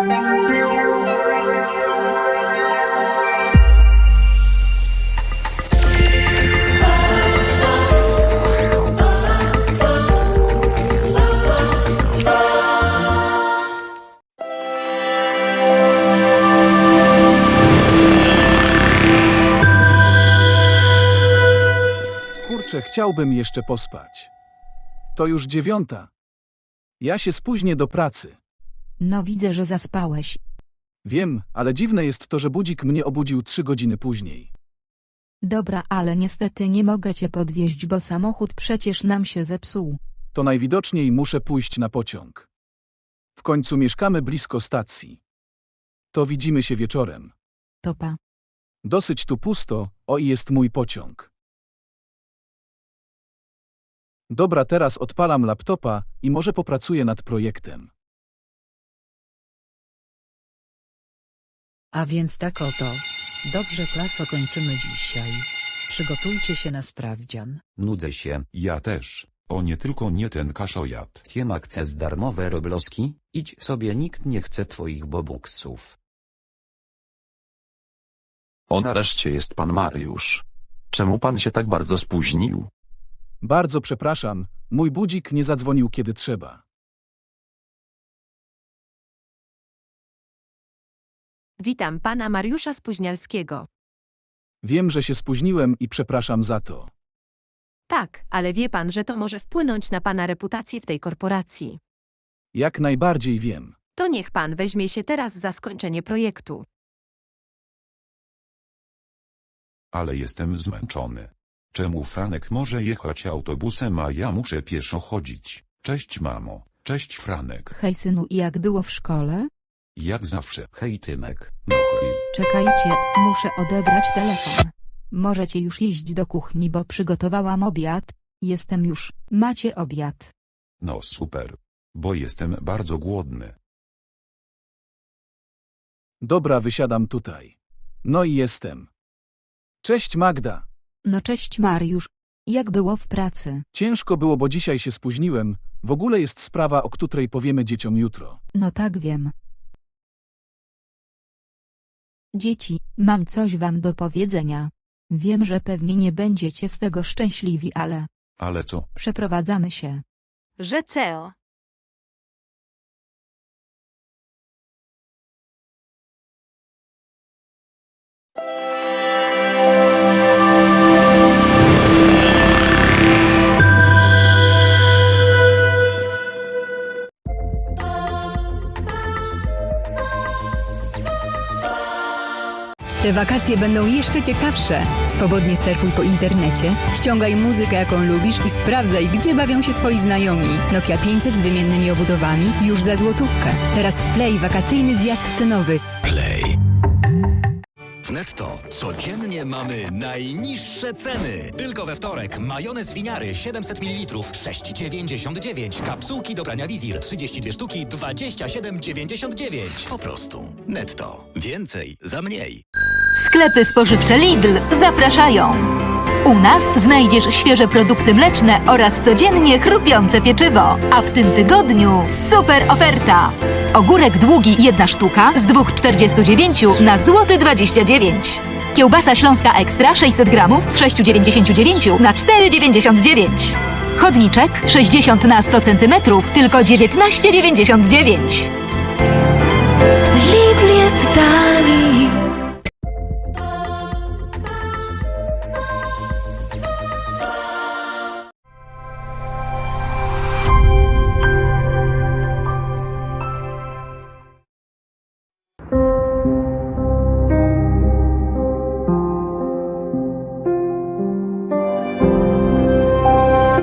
Kurczę, chciałbym jeszcze pospać. To już 9. Ja się spóźnię do pracy. No widzę, że zaspałeś. Wiem, ale dziwne jest to, że budzik mnie obudził 3 godziny później. Dobra, ale niestety nie mogę cię podwieźć, bo samochód przecież nam się zepsuł. To najwidoczniej muszę pójść na pociąg. W końcu mieszkamy blisko stacji. To widzimy się wieczorem. Topa. Dosyć tu pusto, o i jest mój pociąg. Dobra, teraz odpalam laptopa i może popracuję nad projektem. A więc tak oto. Dobrze, klaso, kończymy dzisiaj. Przygotujcie się na sprawdzian. Nudzę się. Ja też. O nie, tylko nie ten kaszojat. Siema, chcesz darmowe robloski? Idź sobie, nikt nie chce twoich bobuksów. O, nareszcie jest pan Mariusz. Czemu pan się tak bardzo spóźnił? Bardzo przepraszam, mój budzik nie zadzwonił kiedy trzeba. Witam pana Mariusza Spóźnialskiego. Wiem, że się spóźniłem i przepraszam za to. Tak, ale wie pan, że to może wpłynąć na pana reputację w tej korporacji. Jak najbardziej wiem. To niech pan weźmie się teraz za skończenie projektu. Ale jestem zmęczony. Czemu Franek może jechać autobusem, a ja muszę pieszo chodzić? Cześć mamo, cześć Franek. Hej synu, i jak było w szkole? Jak zawsze. Hej Tymek. No hej. Czekajcie, muszę odebrać telefon. Możecie już iść do kuchni, bo przygotowałam obiad. Jestem już. Macie obiad. No super. Bo jestem bardzo głodny. Dobra, wysiadam tutaj. No i jestem. Cześć Magda. No cześć Mariusz. Jak było w pracy? Ciężko było, bo dzisiaj się spóźniłem. W ogóle jest sprawa, o której powiemy dzieciom jutro. No tak wiem. Dzieci, mam coś wam do powiedzenia. Wiem, że pewnie nie będziecie z tego szczęśliwi, ale Ale co? przeprowadzamy się. Że CEO. Te wakacje będą jeszcze ciekawsze. Swobodnie surfuj po internecie, ściągaj muzykę, jaką lubisz i sprawdzaj, gdzie bawią się twoi znajomi. Nokia 500 z wymiennymi obudowami już za złotówkę. Teraz w Play wakacyjny zjazd cenowy. Play. W Netto codziennie mamy najniższe ceny. Tylko we wtorek majonez winiary 700 ml 6,99. Kapsułki do prania Wizir 32 sztuki 27,99. Po prostu Netto. Więcej za mniej. Sklepy spożywcze Lidl zapraszają. U nas znajdziesz świeże produkty mleczne oraz codziennie chrupiące pieczywo. A w tym tygodniu super oferta. Ogórek długi 1 sztuka z 2,49 na złoty 29. Kiełbasa śląska ekstra 600 gramów z 6,99 na 4,99. Chodniczek 60 na 100 cm tylko 19,99.